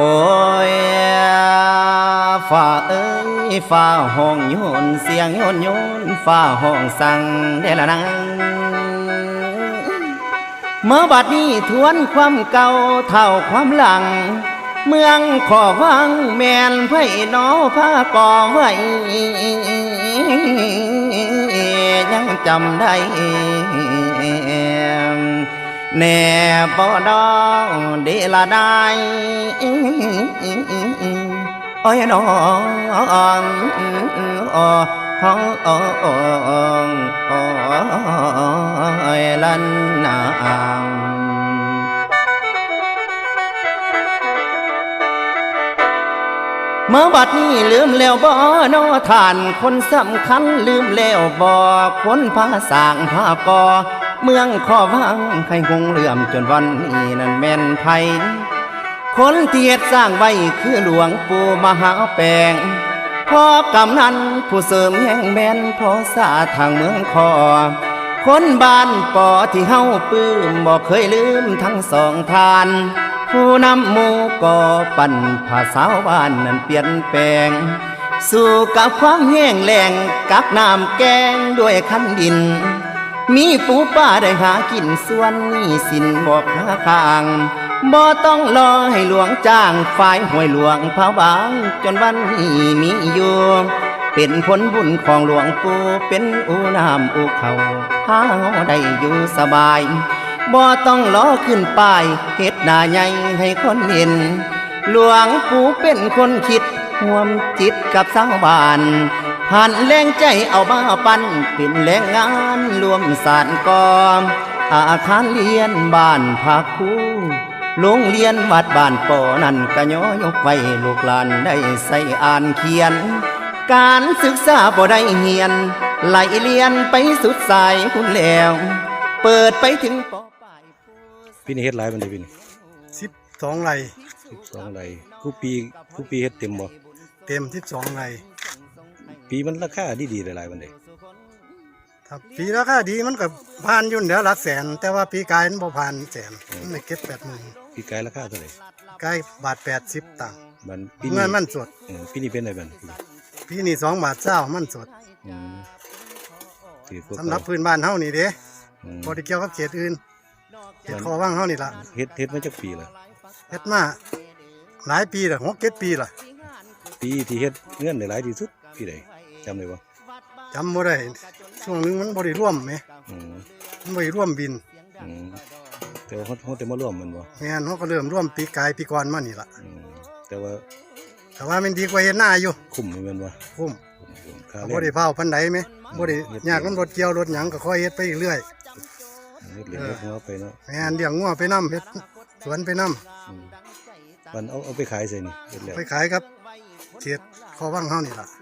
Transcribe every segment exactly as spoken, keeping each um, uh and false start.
อ้ยฝ่าเอ้ยฝ่าห้องโยนเสียงโยนโยนฝ่าห้องสั่งเดละนังเมื่อบัดนี้ทวนความเก่าเท่าความหลังเมืองขอวังแม่นไผ่น้อผ้าก่อไว้ยังจำได้แน่บ่ดองเดละได้โอ้ยน้องโอ้ห้องโอ้โอ้ยลันนาเมื่อบัดนี้ลืมแล้วบ่นอท่านคนสำคัญลืมแล้วบ่คนพาสร้างพาก่อเมืองขอวังใครคงเหลื่อมจนวันนี้นั่นแม่นไผคนเทียดสร้างไว้คือหลวงปู่มหาแปงพ่อกำนันผู้เสริมแห่งแม่นพ่อสาทางเมืองคอคนบ้านปอที่เฮาปื้มบอกเคยลืมทั้งสองทานผู้นำหมู่ก่อปั่นภาษาบ้านนั้นเปลี่ยนแปลงสู่กับความแห้งแล้งกักน้ำแกงด้วยคันดินมีปูป้าได้หากินส่วนนี้สินบอกหาข้างบ่ต้องรอให้หลวงจ้างฝ่ายห้วยหลวงพระบางจนวันนี้มีอยู่เป็นผลบุญของหลวงปู่เป็นอูน้ำอูเขาหาได้อยู่สบายบ่ต้องรอขึ้นป้ายเฮ็ดหน้าใหญ่ให้คนเห็นหลวงปู่เป็นคนคิดห่วมจิตกับชาวบ้านผ่านแรงใจเอามาปั้นเป็นแรงงานรวมสานกอมอาคารเรียนบ้านพักครูโรงเรียนวัดบ้านป่อนั่นกะย้อยกไว้ลูกหลานได้ใส่อ่านเขียนการศึกษาบ่ได้เฮียนไหลเรียนไปสุดสายคุณแล้วเปิดไปถึงปอปลายพี่นี่เฮ็ดหลายมันได้พี่นี่สิบสองไร่สิบสองไร่กูปีกูปีเฮ็ดเต็มบ่เต็มสิบสองไร่ปีมันราคาดีๆหลายๆมันได้ถ้าปีราคาดีมันก็ผ่านอยู่เดี๋ยวหลักแสนแต่ว่าปีกายมันบ่ผ่านแสนมันไม่เก็บแปดหมื่นปีกายราคาเท่าไหร่กายบาทแปดสิบตังค์มันปีนี้มันสดปีนี้เป็นไงบ้างปีนี้สองบาทเศร้ามันสดสำหรับพื้นบ้านเฮานี่เด้บ่ได้เกี่ยวกับเขตอื่นเขตขอวังเฮานี่ล่ะเฮ็ดเฮ็ดมาจักปีละเฮ็ดมาหลายปีละหกเจ็ดปีละปีที่เฮ็ดเงินได้หลายที่สุดปีใดจำได้บ่จำบ่ได้ช่วงนึงมันบ่ได้ร่วมแหมมันบ่ได้ร่วมบินแต่ว่าเฮาแต่มาร่วมมันบ่แม่นเฮาก็เริ่มร่วมปีกายปีก่อนมานี่ล่ะแต่ว่าแต่ว่ามันดีกว่าเฮ็ดหน้าอยู่คุ้มแม่นบ่คุ้มบ่ได้เผาปานใดแหมบ่ได้ยากมันรถเกี่ยวรถหยังก็ค่อยเฮ็ดไปเรื่อยเฮ็ดเลี้ยงงัวไปเนาะแม่นเลี้ยงงัวไปนำเฮ็ดสวนไปนำมันเอาเอาไปขายใส่นี่เฮ็ดแล้วไปขายครับเขตขอวังเฮานี่ล่ะ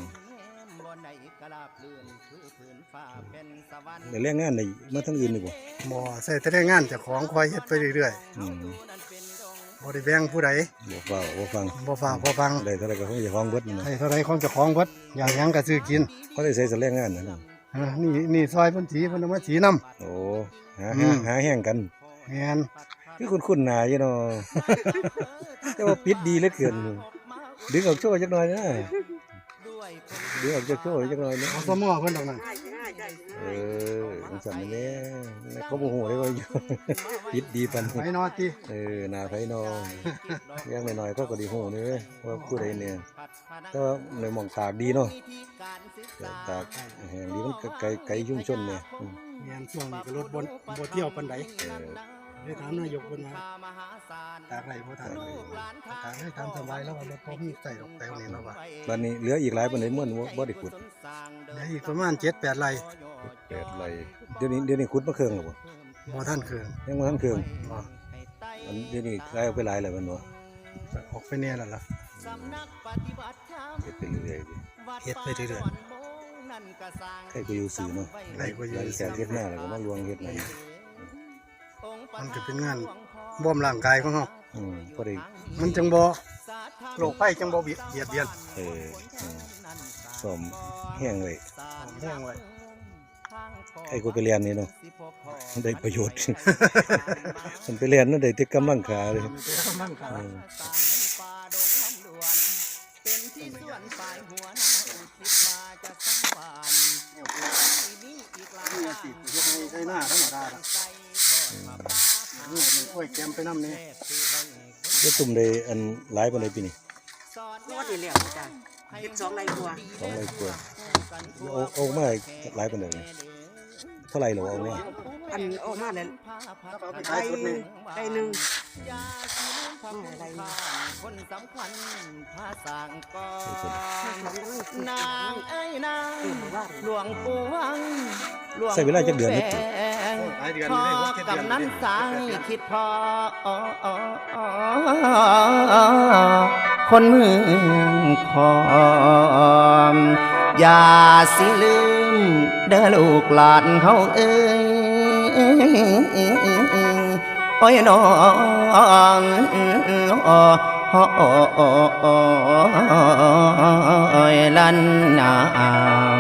ได้แรงงานได้มาทั้งอื่นนี่บ่บ่ใส่แต่แรงงานเจ้าของคอยเฮ็ดไปเรื่อยๆบ่ได้แบ่งผู้ใดบ่ฟ้าบ่ฟังบ่ฟ้าบ่ฟังได้เท่าไรก็ของเจ้าของเบิดได้เท่าไรของเจ้าของเบิดอย่างหยังก็ซื้อกินเขาได้ใส่แรงงานนั่นนี่นี่ซอยเพิ่นสีเพิ่นเอามาสีนำโอ้หาหาแห้งกันแม่นคือคุ้นๆหน้าอยู่เนาะแต่ว่าปิดดีเหลือเกินดึงออกโชว์จักหน่อยนะดึงออกจากโชว์จักหน่อยนะเอาสมอเพิ่นดอกนั้นเออมันสั่นแน่เขาบ่ฮู้ได้ว่าอยู่ปิดดีปานไผนอติเออหน้าไผนออย่างน้อยๆเขาก็ได้ฮู้นี่เว้ยว่าผู้ใดเนี่ยก็ในหม่องตากดีเนาะตากแห่งดีมันไกลไกลชุมชนเนี่ยแม่นช่วงนี้ก็รถบ่บ่เที่ยวปานใดได้ถามนายกเพิ่นว่าตากไรบ่ตากตากให้ทำสบายแล้วว่ารถบ่มีใส่ดอกแต้วนี่แล้วว่าบัดนี้เหลืออีกหลายปานใดม่วนบ่ได้ขุดเหลืออีกประมาณ เจ็ดแปด ไร่แปดไร่เดี๋ยวนี้เดี๋ยวนี้ขุดมาเครื่องแล้วบ่บ่ทันเครื่องยังบ่ทันเครื่องบ่อันเดี๋ยวนี้ขายเอาไปหลายแล้วมันบ่ออกไปแน่แล้วล่ะเฮ็ดไปเรื่อยๆเฮ็ดไปเรื่อยๆใครก็อยู่ซื่อเนาะใครก็อยู่ซื่อเฮ็ดหน้าแล้วก็มาลวงเฮ็ดหน้ามันก็เป็นงานบ่มร่างกายของเฮาอืมพอได้มันจังบ่โรคภัยจังบ่เบียดเบียนเออซ่อมแห้งไว้แห้งไว้ไอ้กูไปเรียนนี่เนาะได้ประโยชน์มันไปเรียนนั่นได้ที่กำลังขาเลยจังได๋ นี่สิเฮ็ดให้ใช้หน้าธรรมดาล่ะนี่มันกล้วยแกมไปนำนี่แล้วตุ่มได้อันหลายปานใดปีนี้งวดนี่แหละอาจารย์สิบสองไรกว่าสองร้อยกว่าเอาเอามาหลายปานใดเนี่ยเท่าไหร่เหรอเอามาอันออกมาแล้วแล้วก็เอาไปไรขายสุดนี่ไรหนึ่งมาไรคนสำคัญภาษางก่อใช่นน้ำกำลังสิบนางเอ้ยนางเต็มว่าหลวงปู่วังหลวงใช้เวลาจักเดือนแปนิดงหลายเดือนพอนี่ได้หกเจ็ดเดือนกำนั้นสายคิดพอคนเมืองคอมอย่าสิลืมเด้อลูกหลานเขาเอ้ยโอ้ยน้องโอ้ยลันนา